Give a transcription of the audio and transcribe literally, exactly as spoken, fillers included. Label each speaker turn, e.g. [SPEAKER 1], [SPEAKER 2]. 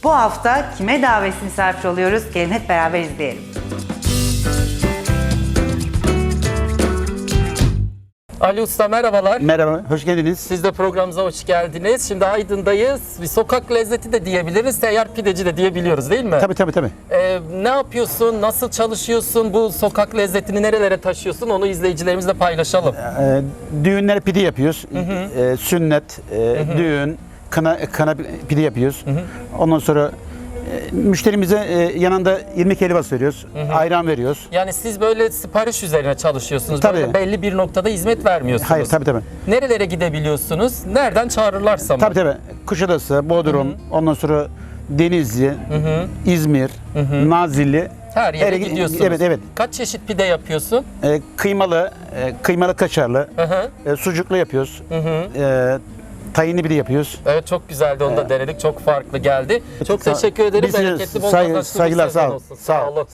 [SPEAKER 1] Bu hafta kime davetli misafir oluyoruz? Gelin hep beraber izleyelim.
[SPEAKER 2] Ali Usta merhabalar.
[SPEAKER 3] Merhaba, hoş geldiniz.
[SPEAKER 2] Siz de programımıza hoş geldiniz. Şimdi Aydın'dayız. Bir sokak lezzeti de diyebiliriz, seyyar pideci de diyebiliyoruz değil mi?
[SPEAKER 3] Tabii tabii tabii.
[SPEAKER 2] Ee, ne yapıyorsun, nasıl çalışıyorsun, bu sokak lezzetini nerelere taşıyorsun onu izleyicilerimizle paylaşalım.
[SPEAKER 3] Ee, düğünlere pide yapıyoruz. Ee, sünnet, e, düğün, kına, kına pide yapıyoruz. Ondan sonra e, müşterimize e, yanında irmik helvası veriyoruz, ayran veriyoruz.
[SPEAKER 2] Yani siz böyle sipariş üzerine çalışıyorsunuz.
[SPEAKER 3] Tabii.
[SPEAKER 2] Böyle belli bir noktada hizmet vermiyorsunuz.
[SPEAKER 3] Hayır, tabii tabii.
[SPEAKER 2] Nerelere gidebiliyorsunuz? Nereden çağırırlarsa mı?
[SPEAKER 3] Tabii tabii. Kuşadası, Bodrum, ondan sonra Denizli, İzmir, Nazilli.
[SPEAKER 2] Her yere
[SPEAKER 3] Her-
[SPEAKER 2] gidiyorsunuz.
[SPEAKER 3] Evet, evet.
[SPEAKER 2] Kaç çeşit pide yapıyorsun?
[SPEAKER 3] E, kıymalı, e, kıymalı kaşarlı,
[SPEAKER 2] Hı hı.
[SPEAKER 3] e, sucuklu yapıyoruz. E, Tahinli pide yapıyoruz.
[SPEAKER 2] Evet, çok güzeldi, onu da denedik. Çok farklı geldi. Çok
[SPEAKER 3] Sağ-
[SPEAKER 2] teşekkür ederim.
[SPEAKER 3] Biz size
[SPEAKER 2] Bereketli, bol
[SPEAKER 3] saygı-
[SPEAKER 2] kazançlı bir
[SPEAKER 3] saygılar,
[SPEAKER 2] sezon
[SPEAKER 3] sağ ol.
[SPEAKER 2] olsun.
[SPEAKER 3] Sağ ol.
[SPEAKER 2] olun.